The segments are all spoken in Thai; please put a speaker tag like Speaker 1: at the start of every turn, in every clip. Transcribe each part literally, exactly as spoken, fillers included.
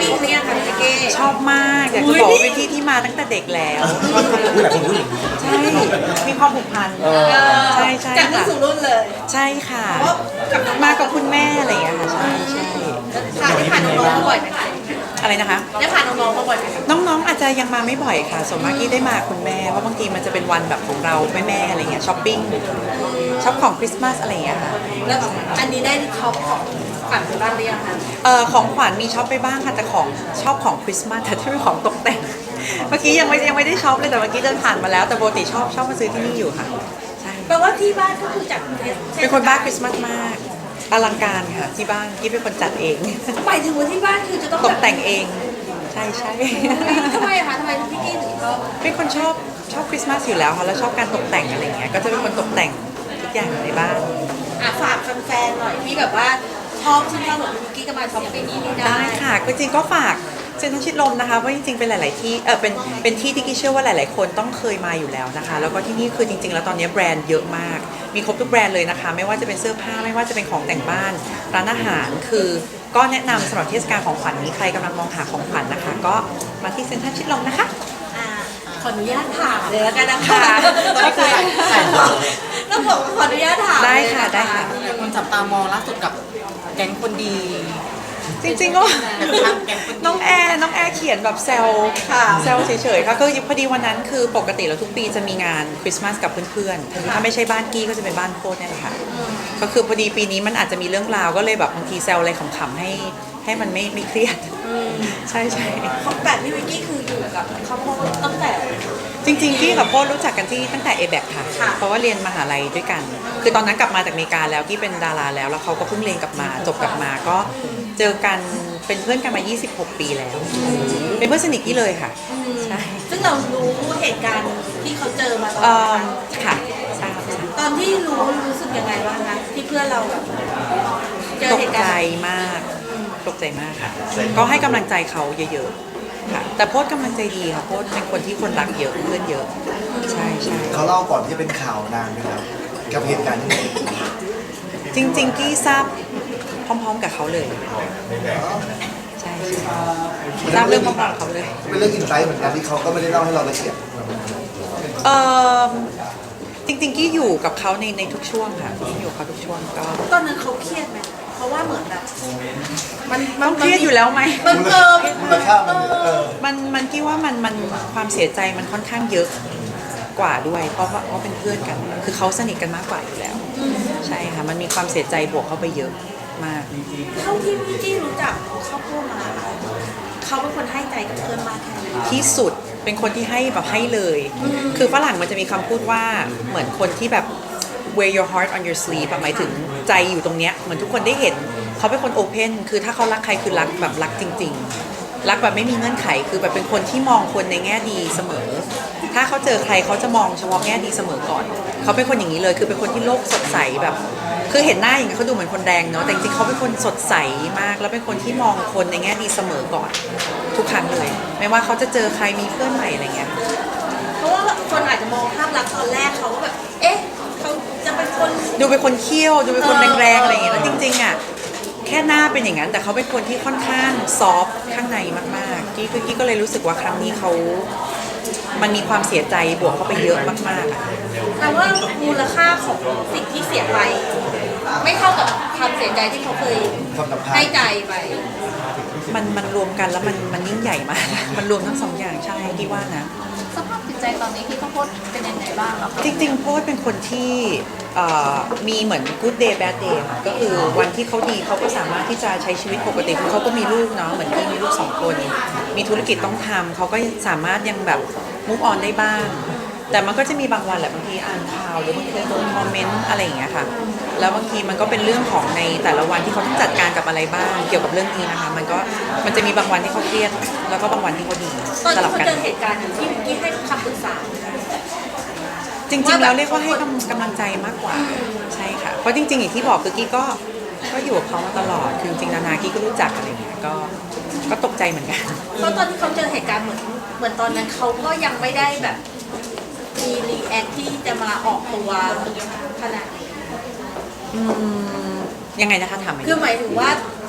Speaker 1: ปีนี้ค่ะพี่เก้
Speaker 2: ชอบมากอยากจะบอกว่าเป็นที่ที่มาตั้งแต่เด็กแล้ว
Speaker 3: ผู้หลายคนรู้อย่างนี้
Speaker 2: ใช่มีความผูกพันใช่ใช่
Speaker 1: จากรุ่นสู่รุ่นเลย
Speaker 2: ใช่ค่ะมากับคุณแม่อะไรอย่างเงี้ยค่ะใช่ใช่
Speaker 1: ค่ะได้ผ่านน้องๆมาบ่อยไหมคะ
Speaker 2: อะไรนะคะ
Speaker 1: ได้ผ่านน้องๆมาบ่อยไหม
Speaker 2: น้องๆอาจจะยังมาไม่บ่อยค่ะส่วนมากที่ได้มาคุณแม่เพราะบางทีมันจะเป็นวันแบบของเราแม่ๆอะไรเงี้ยช้อปปิ้งช็อปของคริสต์มาสอะไรอย่างเงี้ยค่ะ
Speaker 1: แล้วอันนี้ได้ช็อปของขวัญไปบ้างหรือยังคะ
Speaker 2: เอ่อของขวัญมีช็อปไปบ้างค่ะแต่ของชอบของคริสต์มาสแต่ถ้าเป็นของตกแต่งเมื่อกี้ยังไม่ยังไม่ได้ช็อปเลยแต่เมื่อกี้เดินผ่านมาแล้วแต่ปกติชอบชอบมาซื้อที่นี่อยู่ค่ะใช่
Speaker 1: แปลว่าที่บ้านก็คือจัด
Speaker 2: เป็นคนบ้าคริสต์มาสมากอลังการค่ะที่บ้านกี้เป็นคนจัดเอง
Speaker 1: หมายถึงว่าที่บ้านคือจะต้อง
Speaker 2: ตกแต่งเองใช่ใช่
Speaker 1: ทำไมคะทำไมพี่กี้ถึงชอบ
Speaker 2: เป็นคนชอบชอบคริสต์มาสอยู่แล้วค่ะแล้วชอบการตกแต่งอะไรเงี้ยก็จะเป็นคนตกแต่งทุกอย่างในบ้าน
Speaker 1: อ่ะฝากแฟนๆหน่อยที่แบบว่าชอบที่เราแบบพี่กี้ก็มาช้อปปิ้งนี้ได้
Speaker 2: ได้ค่ะก็จริงก็ฝากเซ็นทรัลชิดลมนะคะเพราะจริงๆเป็นหลายๆที่เออเป็นเป็นที่ที่กี้เชื่อว่าหลายๆคนต้องเคยมาอยู่แล้วนะคะแล้วก็ที่นี่คือจริงๆแล้วตอนนี้แบรนด์เยอะมากมีครบทุกแบรนด์เลยนะคะไม่ว่าจะเป็นเสื้อผ้าไม่ว่าจะเป็นของแต่งบ้านร้านอาหารคือก็แนะนำสำหรับเทศกาลของขวัญนี้ใครกำลังมองหาของขวัญนะคะก็มาที่เซ็นทรัลชิดลมนะคะ
Speaker 1: ขออนุญาตถามเลยแล้วกันนะคะ
Speaker 2: ก็คือ
Speaker 1: ต้องบอกขออนุญาตถาม
Speaker 2: ได้ค่ะได้ค่ะ
Speaker 4: คนจับตามองล่าสุดกับแก๊งคนดี
Speaker 2: จริงๆก็น้องแอร์น้องแอร์เขียนแบบแซวแซวเฉยๆค่ะก็พอดีวันนั้นคือปกติแล้วทุกปีจะมีงานคริสต์มาสกับเพื่อนๆถ้าไม่ใช่บ้านกี้ก็จะเป็นบ้านโพดนี่แหละค่ะก็คือพอดีปีนี้มันอาจจะมีเรื่องราวก็เลยแบบบางทีแซวอะไรขำๆให้ให้มันไม่ไม่เครียดใช่ใช่
Speaker 1: เขาแบบพี่วิกกี้คืออยู่กับเขาโพดตั้งแต่
Speaker 2: จริงๆกี้กับโพดรู้จักกันที่ตั้งแต่เอแบกค่ะเพราะว่าเรียนมหาลัยด้วยกันคือตอนนั้นกลับมาจากอเมริกาแล้วกี้เป็นดาราแล้วแล้วเขาก็เพิ่งเรียนกลับมาจบกลับมาก็เจอกันเป็นเพื่อนกันมายี่สิบหกปีแล้วเป็นเพื่อนสนิทกี้เลยค่ะใช่
Speaker 1: ซึ่งเรารู้เหตุการณ์ที่เขาเจอมาตอน
Speaker 2: นั้นค่ะ
Speaker 1: ตอนที่รู้รู้สึกยังไงบ้างคะที่เพื่อนเราแบบ
Speaker 2: เจอเหตุการณ์ตกใจมากตกใจมากค่ะก็ให้กำลังใจเขาเยอะๆค่ะแต่โพสกำลังใจดีค่ะโพสเป็นคนที่คนรักเยอะเพื่อนเยอะใช่ใช่
Speaker 3: เขาเล่าก่อนที่จะเป็นข่าวนานไหมครับกับเหตุการณ์นี้
Speaker 2: จริงๆกี้ทราบพร้อมๆกับเขาเลยใช่ทราบเรื่องพร้อมๆกับเขาเลย
Speaker 3: เป็นเรื่องอินไซต์เหมือนกันที่เขาก็ไม่ได้เล่าให้เราละเอียด
Speaker 2: เออจริงๆกี้อยู่กับเขาในในทุกช่วงค่ะอยู่กับเขาทุกช่วงก็
Speaker 1: ตอนนั้นเขาเครียดไหมเพราะว่าเหมือนแบบ
Speaker 2: มันมันเครียดอยู่แล้วไหม
Speaker 1: มันเออ
Speaker 3: มันค่ามันเออ
Speaker 2: มันมันกี้ว่ามันมันความเสียใจมันค่อนข้างเยอะกว่าด้วยเพราะว่าเขาเป็นเพื่อนกันคือเขาสนิทกันมากกว่าอยู่แล้วใช่ค่ะมันมีความเสียใจบวกเข้าไปเยอะมาก
Speaker 1: เท่าที่พี่กี้รู้จักเขาพูดมาเขาเป็นคนให้ใจกับเพื่อนมากแค่ไหน
Speaker 2: ที่สุดเป็นคนที่ให้แบบให้เลยคือฝรั่งมันจะมีคำพูดว่าเหมือนคนที่แบบ wear your heart on your sleeve หมายถึงใจอยู่ตรงเนี้ยเหมือนทุกคนได้เห็นเขาเป็นคนโอเพนคือถ้าเขารักใครคือรักแบบรักจริงๆรักแบบไม่มีเงื่อนไขคือแบบเป็นคนที่มองคนในแง่ดีเสมอถ้าเขาเจอใครเขาจะมองเฉพาะแง่ดีเสมอก่อนเขาเป็นคนอย่างนี้เลยคือเป็นคนที่โลกสดใสแบบคือเห็นหน้าอย่างนี้เขาดูเหมือนคนแดงเนาะแต่จริงๆเขาเป็นคนสดใสมากแล้วเป็นคนที่มองคนในแง่ดีเสมอก่อนทุกครั้งเลยไม่ว่าเขาจะเจอใครมีเพื่อนใหม่อะไรเงี้ย
Speaker 1: เพราะว่าคนอาจจะมองภาพลักษณ์ตอนแรกเขาก็แบบเอ๊ะเขาจะเป็นคน
Speaker 2: ดูเป็นคนเขี้ยวดูเป็นคนแรงๆอะไรอย่างเงี้ยแล้วจริงๆอ่ะแค่หน้าเป็นอย่างนั้นแต่เขาเป็นคนที่ค่อนข้างซอฟต์ข้างในมากๆกี้คือกี้ก็เลยรู้สึกว่าครั้งนี้เขามันมีความเสียใจบวกเข้าไปเยอะมากๆอ่ะ
Speaker 1: แต่ว่ามูลค่าของสิ่งที่เสียไปไม่เท่ากับความเสียใจที่เขาเคยให้ใจไป
Speaker 2: มันมันรวมกันแล้วมันมันยิ่งใหญ่มากมันรวมทั้งสองอย่างใช่กี้ว่านะ
Speaker 1: สภาพจิตใจตอนนี้ที่เขาโพสเป็นยังไงบ้างคะ
Speaker 2: จริงๆโพสเป็นคนที่มีเหมือน good day bad day ค่ะก็คือวันที่เขาดีเขาก็สามารถที่จะใช้ชีวิตปกติคือเขาก็มีลูกเนาะเหมือนที่มีลูกสองคนมีธุรกิจต้องทำเขาก็สามารถยังแบบ move on ได้บ้างแต่มันก็จะมีบางวันแหละบางทีอ่านข่าวหรือบางทีโดนคอมเมนต์อะไรอย่างเงี้ยค่ะแล้วบางทีมันก็เป็นเรื่องของในแต่ละวันที่เขาต้องจัดการกับอะไรบ้างเกี่ยวกับเรื่องนี้นะคะมันก็มันจะมีบางวันที่เขาเครียดแล้วก็บางวันที่เขาดี
Speaker 1: สลับกันตอนที่เขาเจอเหตุการณ์ที่เมื่อกี้ให้คำปรึกษา
Speaker 2: จริงๆแล้วเรียกว่าให้กำลังใจมากกว่าใช่ค่ะเพราะจริงๆอย่างที่บอกคือกี้ก็ก็อยู่กับเขามาตลอดคือจริงๆนานากี้ก็รู้จักอะไรเงี้ยก็ก็ตกใจเหมือนกัน
Speaker 1: เพราะตอนที่เขาเจอเหตุการณ์เหมือนเหมือนตอนนั้นเขาก็ยังไม่ได้แบบมีรีแอคที่จะมาออกตัวขนาดนี้
Speaker 2: ยังไงนะคะถาม
Speaker 1: คือหมายถึงว่า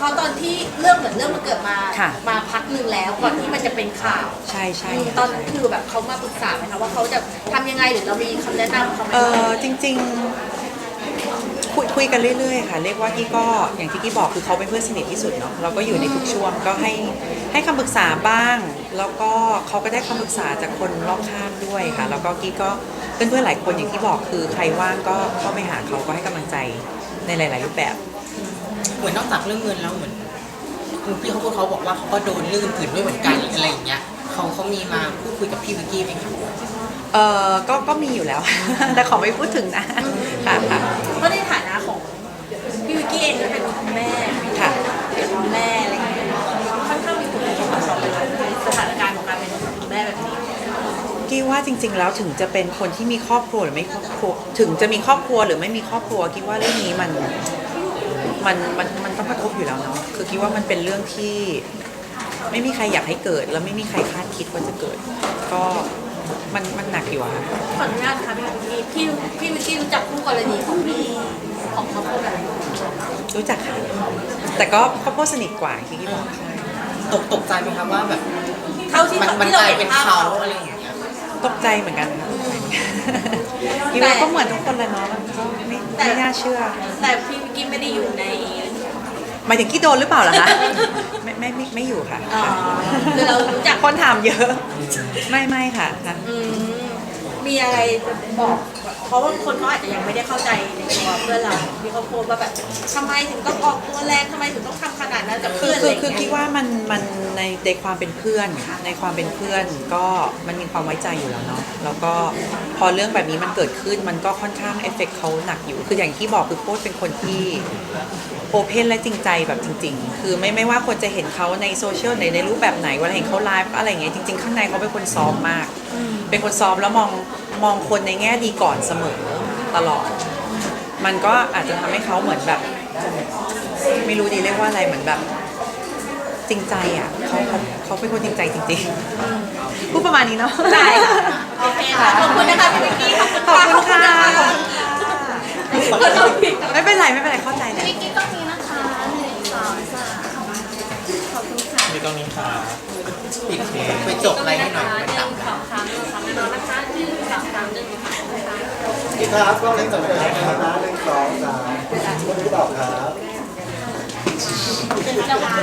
Speaker 1: เพราะตอนที่เรื่องเหมือนเรื่องมันเกิดมา
Speaker 2: ค่ะ
Speaker 1: มาพักหนึ่งแล้วก่อนที่มันจะเป็นข่าว
Speaker 2: ใช่ใช่
Speaker 1: ตอนนั้นคือแบบเขามาปรึกษาไหมคะว่าเขาจะทำยังไงหรือเรามีคำแนะนำเขาไหม
Speaker 2: เออจริงๆคุยคุยกันเรื่อยๆค่ะ เรียกว่ากี้ก็อย่างที่กี้บอกคือเขาเป็นเพื่อนสนิทที่สุดเนาะเราก็อยู่ในทุกช่วงก็ให้ให้คำปรึกษาบ้าง แล้วก็เขาก็ได้คำปรึกษาจากคนรอบข้างด้วยค่ะ แล้วก็กี้ก็เพื่อนๆหลายคนอย่างที่บอกคือใครว่างก็เข้าไปหาเขาก็ให้กำลังใจในหลายๆรูปแบบ
Speaker 4: เหมือนนอกจากเรื่องเงินแล้วเหมือนคุณพี่เขาพูดเขาบอกว่าเขาก็โดนเรื่องอื่นด้วยเหมือนกันอะไรอย่างเงี้ยเขาเขามีมาพูดคุยกับพี่วิกกี้ไหมคะ
Speaker 2: เออก็ก็มีอยู่แล้ว แต่ขอไม่พูดถึงนะค่ะค่ะ
Speaker 1: เพราะในฐานะของพี่วิกกี้เองก็เป็นคุณแม่
Speaker 2: ค่ะ
Speaker 1: เป็นคุณแม่อะไรอย่างเงี้ยค่อนข้างมีผลกระทบกับเราเลยค่ะในสถานการณ์ของการเป็นคุณแม่แบบนี้
Speaker 2: กี้ว่าจริงๆแล้วถึงจะเป็นคนที่มีครอบครัวหรือไม่ครอบครัวถึงจะมีครอบครัวหรือไม่มีครอบครัวกี้ว่าเรื่องนี้มันมันมันมันต้องกระทบอยู่แล้วเนาะคือกี้ว่ามันเป็นเรื่องที่ไม่มีใครอยากให้เกิด แล้วไม่มีใครคาดคิดว่าจะเกิด ก็มันมันหนักอยู่อะค่ะ
Speaker 1: ขออนุญาตนะคะพี่วิกกี้พี่พี่วิกกี้รู้จักคู่กรณีของพี่ของเขาคนไหน
Speaker 2: รู้จักค่ะแต่ก็ครอบครัวสนิทกว่าที่กี้บอกใช่
Speaker 4: ตกตกใจไหมคะว่าแบบ
Speaker 1: เท่าที่
Speaker 4: มันมัน
Speaker 1: ที่
Speaker 4: ก
Speaker 1: เรา
Speaker 4: ลาย
Speaker 1: เห็
Speaker 4: เป็น น
Speaker 1: ภาพ
Speaker 4: เขา
Speaker 1: เขา
Speaker 4: อะไรอย่างเงี้ย
Speaker 2: ตกใจเหมือนกันค่ะกี้ว่าก็เหมือนทุกคนแหละเนาะมันก็ไม่ไม่น่าเชื่อ
Speaker 1: แต่พี่วิกกี้ไม่ได้อยู่ใน
Speaker 2: หมายถึงกี้โดนหรือเปล่าล่ะคะไม่ไม่ไม่ไม่อยู่ค่ะ
Speaker 1: อ๋อคือเรารู้จัก
Speaker 2: คนถามเยอะ ไม่ไม่ค่ะค่ะ
Speaker 1: อืมมีอะไรจะบอก เพราะว่าคนเขาอาจจะยังไม่ได้เข้าใจในตัวเพื่อนเราที่เขาโพสต์ว่าแบบทำไมถึงต้องออกตัวแรงทำไมถึงต้องทำขนาดนั้นกับ
Speaker 2: คื
Speaker 1: เพื่
Speaker 2: อ
Speaker 1: อนอะ
Speaker 2: คื
Speaker 1: ไร
Speaker 2: อ
Speaker 1: อย่าง
Speaker 2: คือคิด
Speaker 1: เงี้ย
Speaker 2: ว่ามันมันในในความเป็นเพื่อนในความเป็นเพื่อนก็มันมีความไว้ใจอยู่แล้วเนาะแล้วก็พอเรื่องแบบนี้มันเกิดขึ้นมันก็ค่อนข้างเอฟเฟกต์เขาหนักอยู่ คืออย่างที่บอกคือโค้ชเป็นคนที่โอเพนและจริงใจแบบจริง ๆ คือไม่ไม่ว่าคนจะเห็นเขาในโซเชียลในในรูปแบบไหนเวลาเห็นเขาไลฟ์อะไรอย่างเงี้ยจริง ๆ ข้างในเขาเป็นคนซอฟต์มาก เป็นคนซอฟต์แล้วมองมองคนในแง่ดีก่อนเสมอตลอด มันก็อาจจะทำให้เขาเหมือนแบบ ไม่รู้ดีเรียกว่าอะไรเหมือนแบบจริงใจอ่ะเขาเขาเขาเป็นคนจริงใจจริงๆพูดประมาณนี้เนาะ
Speaker 1: ได้ค่ะโอเคค่ะขอบคุณนะคะพี่วิกกี้ขอบคุณ
Speaker 2: ขอบคุณค่ะ
Speaker 1: ขอบคุณค่ะ
Speaker 2: ไม่เป็นไรไม่เป็นไรเข้าใจเลย
Speaker 5: วิกกี้ต้องมีนะคะหนึ่งสองสามขอบคุณค่ะ
Speaker 6: มีตรงนี้ค่ะ
Speaker 4: ปิดไปจบอะไรให้หน่อย
Speaker 5: ห
Speaker 4: มัน
Speaker 5: นึ่
Speaker 4: ดับ
Speaker 5: งสองสามหนึ่งสองแน่นอนนะคะหนึ่งสองสามหนึ่งสองสาม
Speaker 3: พี่ครับกล้องเล็กสองครับนะหนึ่งสองสามคนที่ตอบครับ
Speaker 5: จะวาง